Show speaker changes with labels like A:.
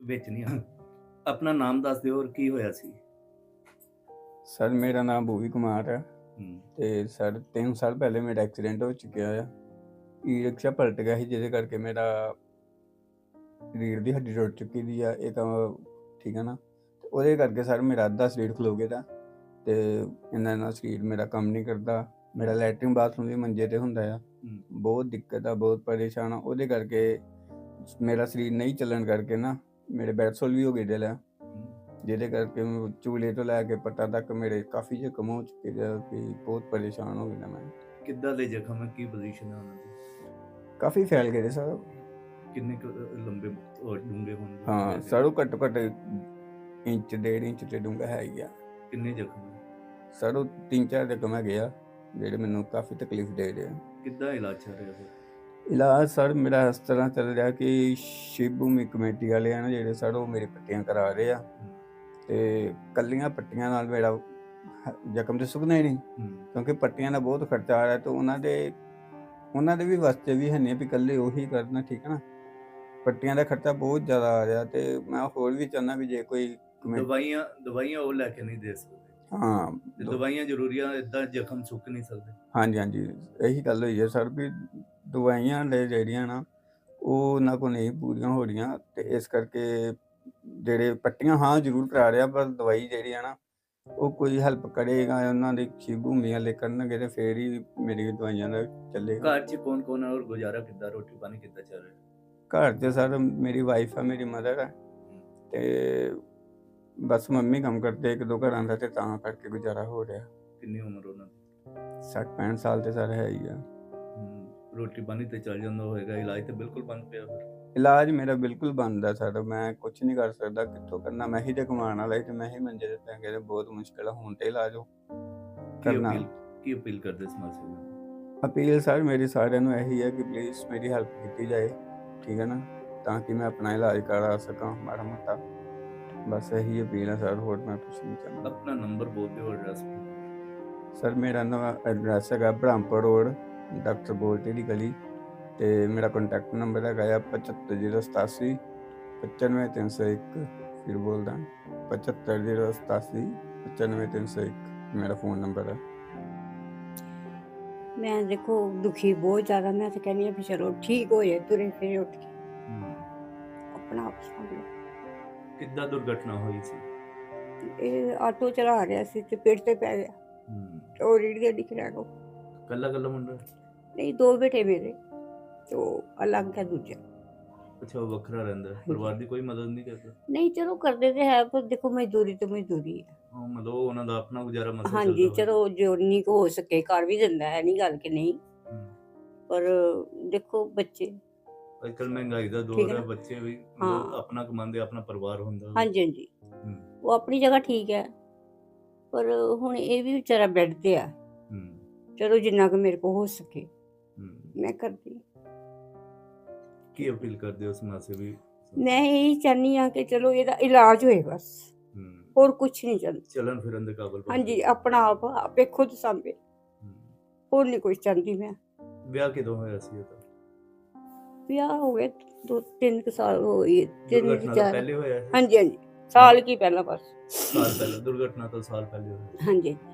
A: ਵਿੱਚ ਨਹੀਂ ਆ। ਆਪਣਾ ਨਾਮ ਦੱਸ ਦਿਓ ਔਰ ਕੀ ਹੋਇਆ ਸੀ?
B: ਸਰ ਮੇਰਾ ਨਾਮ ਭੂਵੀ ਕੁਮਾਰ ਹੈ
A: ਹੂੰ,
B: ਤੇ ਸਰ 3 ਸਾਲ ਪਹਿਲੇ ਮੇਰਾ ਐਕਸੀਡੈਂਟ ਹੋ ਚੁੱਕਿਆ ਆ। ਈ ਰਿਕਸ਼ਾ ਪਲਟ ਗਿਆ ਸੀ ਜਿਹਦੇ ਕਰਕੇ ਮੇਰਾ ਰੀੜ੍ਹ ਦੀ ਹੱਡੀ ਟੁੱਟ ਚੁੱਕੀ ਦੀ ਆ। ਇਹ ਤਾਂ ਠੀਕ ਹੈ ਨਾ, ਤੇ ਉਹਦੇ ਕਰਕੇ ਸਰ ਮੇਰਾ ਅੱਧਾ ਸਰੀਰ ਖਲੋ ਗਿਆ ਦਾ ਤੇ ਇੰਨਾ ਸਰੀਰ ਮੇਰਾ ਕੰਮ ਨਹੀਂ ਕਰਦਾ। ਮੇਰਾ ਲੈਟਰਿਨ ਬਾਥਰੂਮ ਵੀ ਮੰਜੇ ਤੇ ਹੁੰਦਾ ਆ। ਬਹੁਤ ਦਿੱਕਤ ਆ, ਬਹੁਤ ਪਰੇਸ਼ਾਨ ਆ। ਉਹਦੇ ਕਰਕੇ ਮੇਰਾ ਸਰੀਰ ਨਹੀਂ ਚੱਲਣ ਕਰਕੇ ਨਾ ਮੇਰੇ ਬੈਡਸੋਲ ਵੀ ਹੋ ਗਏ ਦਿਲ ਆ, ਜਿਹਦੇ ਕਰਕੇ ਚੂਲੇ ਤੋਂ ਲੈ ਕੇ ਪੱਟਾਂ ਤੱਕ ਮੇਰੇ ਕਾਫੀ ਜ਼ਖਮ ਹੋ ਚੁੱਕੇ ਆ ਕਿ ਬਹੁਤ ਪਰੇਸ਼ਾਨ ਹੋ ਗਿਆ ਮੈਂ।
A: ਕਿੱਦਾਂ ਦੇ ਜ਼ਖਮ ਹੈ, ਕੀ ਪੋਜੀਸ਼ਨ ਹੈ ਉਹਨਾਂ ਦੀ?
B: ਕਾਫੀ ਫੈਲ ਗਏ ਸਰ।
A: ਕਿੰਨੇ ਕੁ ਲੰਬੇ ਔਰ ਡੂੰਘੇ ਹੋਣਗੇ?
B: ਹਾਂ ਸਰ, ਉਹ ਘੱਟੋ ਘੱਟ ਇੰਚ 1.5 ਇੰਚ ਤੇ ਡੂੰਘਾ ਹੈ ਹੀ ਆ।
A: ਕਿੰਨੇ ਜ਼ਖਮ ਹੈ?
B: ਸਰ ਉਹ 3-4 ਜ਼ਖਮ ਹੈਗੇ ਆ ਜਿਹੜੇ ਮੈਨੂੰ ਕਾਫੀ ਤਕਲੀਫ ਦੇ ਰਹੇ ਆ।
A: ਕਿੱਦਾਂ ਇਲਾਜ ਚੱਲ ਰਿਹਾ ਫਿਰ?
B: ਇਲਾਜ ਸਰ ਮੇਰਾ ਇਸ ਤਰ੍ਹਾਂ ਚੱਲ ਰਿਹਾ ਕਿ ਸ਼ਿਵ ਭੂਮੀ ਕਮੇਟੀ ਵਾਲੇ ਆ ਨਾ ਜਿਹੜੇ ਸਰ, ਉਹ ਮੇਰੀ ਪੱਟੀਆਂ ਕਰਾ ਰਹੇ ਆ ਤੇ ਕੱਲੀਆਂ ਪੱਟੀਆਂ ਨਾਲ ਮੇਰਾ ਜ਼ਖਮ ਤੇ ਸੁੱਕਣਾ ਹੀ ਨਹੀਂ, ਕਿਉਂਕਿ ਪੱਟੀਆਂ ਦਾ ਬਹੁਤ ਖਰਚਾ ਆ ਰਿਹਾ ਤੇ ਉਹਨਾਂ ਦੇ ਵੀ ਵਾਸਤੇ ਵੀ ਹੈ ਨਹੀਂ ਵੀ ਇਕੱਲੇ ਉਹੀ ਕਰਨਾ, ਠੀਕ ਹੈ ਨਾ। ਪੱਟੀਆਂ ਦਾ ਖਰਚਾ ਬਹੁਤ ਜ਼ਿਆਦਾ ਆ ਰਿਹਾ ਤੇ ਮੈਂ ਹੋਰ ਵੀ ਚਾਹੁੰਦਾ ਵੀ ਜੇ ਕੋਈ
A: ਦਵਾਈਆਂ ਉਹ ਲੈ ਕੇ ਨਹੀਂ ਦੇ ਸਕਦੇ।
B: ਹਾਂ,
A: ਦਵਾਈਆਂ ਜ਼ਰੂਰੀ ਆ, ਏਦਾਂ ਜ਼ਖਮ ਸੁੱਕ ਨਹੀਂ ਸਕਦੇ।
B: ਹਾਂਜੀ, ਇਹੀ ਗੱਲ ਹੋਈ ਹੈ ਸਰ ਵੀ ਦਵਾਈਆਂ ਲੈ ਜਿਹੜੀਆਂ ਨਾ ਉਹ ਉਹਨਾਂ ਕੋਲ ਨਹੀਂ ਪੂਰੀਆਂ ਹੋ ਰਹੀਆਂ ਤੇ ਇਸ ਕਰਕੇ ਜਿਹੜੇ ਪੱਟੀਆਂ ਹਾਂ ਜ਼ਰੂਰ ਕਰਾ ਰਿਹਾ, ਪਰ ਦਵਾਈ ਜਿਹੜੀ ਆ ਨਾ ਉਹ ਕੋਈ ਹੈਲਪ ਕਰੇਗਾ ਉਹਨਾਂ ਦੀ ਸ਼ਿਵ ਭੂਮੀ ਵਾਲੇ ਕਰਨਗੇ ਤੇ ਫੇਰ ਹੀ ਮੇਰੀ ਦਵਾਈਆਂ ਦਾ ਚੱਲੇਗਾ।
A: ਘਰ 'ਚ ਕੌਣ ਔਰ ਗੁਜ਼ਾਰਾ ਕਿੱਦਾਂ, ਰੋਟੀ ਪਾਣੀ ਕਿੱਦਾਂ ਚੱਲ ਰਿਹਾ?
B: ਘਰ 'ਚ ਸਰ ਮੇਰੀ ਵਾਈਫ ਆ, ਮੇਰੀ ਮਦਰ ਆ ਤੇ ਬਸ ਮੰਮੀ ਕੰਮ ਕਰਦੇ 1-2 ਘਰਾਂ ਦਾ ਤੇ ਤਾਂ ਕਰਕੇ ਗੁਜ਼ਾਰਾ ਹੋ ਰਿਹਾ।
A: ਕਿੰਨੀ ਉਮਰ ਉਹਨਾਂ ਦੀ?
B: 60-65 ਸਾਲ ਤੇ ਸਰ ਹੈ ਹੀ ਆ।
A: ਰੋਟੀ ਪਾਣੀ ਤੇ ਚੱਲ ਜਾਂਦਾ ਹੋਏਗਾ, ਇਲਾਜ ਤੇ ਬਿਲਕੁਲ ਬੰਦ ਪਿਆ ਫਿਰ?
B: ਇਲਾਜ ਮੇਰਾ ਬਿਲਕੁਲ ਬੰਦ ਆ ਸਰ, ਮੈਂ ਕੁਝ ਨਹੀਂ ਕਰ ਸਕਦਾ, ਕਿੱਥੋਂ ਕਰਨਾ। ਮੈਂ ਹੀ ਤੇ ਕਮਾਉਣ ਵਾਲਾ ਤੇ ਮੈਂ ਹੀ ਮੰਜੇ ਤੇ ਪੈ ਗਿਆ ਤੇ ਬਹੁਤ ਮੁਸ਼ਕਿਲ ਆ ਹੁਣ ਤੇ ਇਲਾਜ ਕਰਨਾ।
A: ਕੀ ਅਪੀਲ ਕਰਦੇ ਸਮਾਜ ਸੇਵੀ?
B: ਅਪੀਲ ਸਰ ਮੇਰੀ ਸਾਰਿਆਂ ਨੂੰ ਇਹੀ ਹੈ ਕਿ ਪਲੀਜ਼ ਮੇਰੀ ਹੈਲਪ ਕੀਤੀ ਜਾਏ, ਠੀਕ ਹੈ ਨਾ, ਤਾਂ ਕਿ ਮੈਂ ਆਪਣਾ ਇਲਾਜ ਕਰਾ ਸਕਾਂ ਮਾੜਾ ਮੋਟਾ। ਬਸ ਇਹੀ ਅਪੀਲ ਹੈ ਸਰ, ਹੋਰ ਮੈਂ ਕੁਛ ਨਹੀਂ ਚਾਹੁੰਦਾ।
A: ਆਪਣਾ ਨੰਬਰ ਬੋਲ ਦਿਓ, ਐਡਰੈਸ।
B: ਸਰ ਮੇਰਾ ਨਵਾਂ ਐਡਰੈਸ ਹੈਗਾ ਬ੍ਰਹਮਪੁਰ ਰੋਡ, ਡਾਕਟਰ ਬੋਲਟੇ ਦੀ ਗਲੀ ਤੇ ਮੇਰਾ ਕੰਟੈਕਟ ਨੰਬਰ ਹੈਗਾ ਆ 75087 95301। ਫਿਰ ਬੋਲਦਾ 75087 95301 ਮੇਰਾ ਫੋਨ ਨੰਬਰ ਹੈ।
C: ਮੈਂ ਦੇਖੋ ਦੁਖੀ ਬਹੁਤ ਜ਼ਿਆਦਾ, ਮੈਂ ਤਾਂ ਕਹਿੰਦੀ ਹਾਂ ਵੀ ਚਲੋ ਠੀਕ ਹੋ ਜਾਏ, ਤੁਰੇ ਫਿਰੇ ਉੱਠ ਕੇ ਆਪਣਾ ਆਪ ਸਾਂਭ ਲਓ।
A: ਕਿੱਦਾਂ ਦੁਰਘਟਨਾ ਹੋਈ ਸੀ?
C: ਇਹ ਆਟੋ ਚਲਾ ਰਿਹਾ ਸੀ ਤੇ ਪੇੜ ਤੇ ਪੈ ਗਿਆ, ਉਹ ਰੀੜ ਦੇ ਦਿਖ ਰਿਹਾ ਕੋ।
A: ਕੱਲਾ ਮੁੰਡਾ?
C: ਨਹੀਂ, 2 ਬੇਟੇ ਮੇਰੇ, ਤੇ ਉਹ ਅਲੱਗ ਹੈ ਦੂਜਾ।
A: ਅੱਛਾ, ਉਹ ਵੱਖਰਾ ਰਹਿੰਦਾ, ਪਰਿਵਾਰ ਦੀ ਕੋਈ ਮਦਦ ਨਹੀਂ ਕਰਦਾ?
C: ਨਹੀਂ, ਚਲੋ ਕਰਦੇ ਤੇ ਹੈ, ਪਰ ਦੇਖੋ ਮਜ਼ਦੂਰੀ ਤੇ ਮਜ਼ਦੂਰੀ ਹੈ।
A: ਮਤਲਬ ਉਹਨਾਂ ਦਾ ਆਪਣਾ ਗੁਜ਼ਾਰਾ ਮਸਲਾ
C: ਹਾਂਜੀ, ਚਲੋ ਜੋ ਨਹੀਂ ਕੋ ਹੋ ਸਕੇ ਕਰ ਵੀ ਦਿੰਦਾ ਹੈ, ਨਹੀਂ ਗੱਲ ਕਿ ਨਹੀਂ, ਪਰ ਦੇਖੋ ਬੱਚੇ
A: ਅੱਜ ਕੱਲ ਮਹਿੰਗਾਈ ਦਾ ਦੌਰ ਹੈ, ਬੱਚੇ ਵੀ ਆਪਣਾ ਕਮਾਉਂਦੇ, ਆਪਣਾ ਪਰਿਵਾਰ ਹੁੰਦਾ।
C: ਹਾਂਜੀ, ਉਹ ਆਪਣੀ ਜਗ੍ਹਾ ਠੀਕ ਹੈ, ਪਰ ਹੁਣ ਇਹ ਵੀ ਵਿਚਾਰਾ ਬੈੱਡ ਤੇ ਆ। ਚਲੋ ਜਿੰਨਾ ਕੁ ਮੇਰੇ ਕੋਲ ਹੋ ਸਕੇ ਮੈਂ ਕਰਦੀ।
A: ਕੀ ਅਪੀਲ ਕਰਦੇ ਹੋ ਸਮਾਜ ਸੇਵੀ?
C: ਮੈਂ ਇਹੀ ਚਾਹੁੰਦੀ ਹਾਂ ਕਿ ਚਲੋ ਇਹਦਾ ਇਲਾਜ ਹੋਏ, ਬਸ ਹੋਰ ਕੁਛ ਨਹੀਂ ਚਾਹੁੰਦੀ।
A: ਚੱਲਣ ਫਿਰਨ ਦੇ ਕਾਬਲ?
C: ਹਾਂਜੀ, ਆਪਣਾ ਆਪ ਆਪੇ ਖੁਦ ਸਾਂਭੇ, ਹੋਰ ਨਹੀਂ ਕੁਛ ਚਾਹੁੰਦੀ ਮੈਂ।
A: ਵਿਆਹ ਕਿਦੋਂ ਹੋਇਆ ਸੀ ਇਹਦਾ?
C: ਵਿਆਹ ਹੋ ਗਏ 2-3 ਸਾਲ ਹੋ ਗਏ। 3-4
A: ਪਹਿਲੇ ਹੋਇਆ?
C: ਹਾਂਜੀ, ਸਾਲ ਕੀ ਪਹਿਲਾਂ, ਬਸ
A: ਸਾਲ ਪਹਿਲਾਂ। ਦੁਰਘਟਨਾ ਤੋਂ ਸਾਲ ਪਹਿਲੇ ਹੋਇਆ?
C: ਹਾਂਜੀ।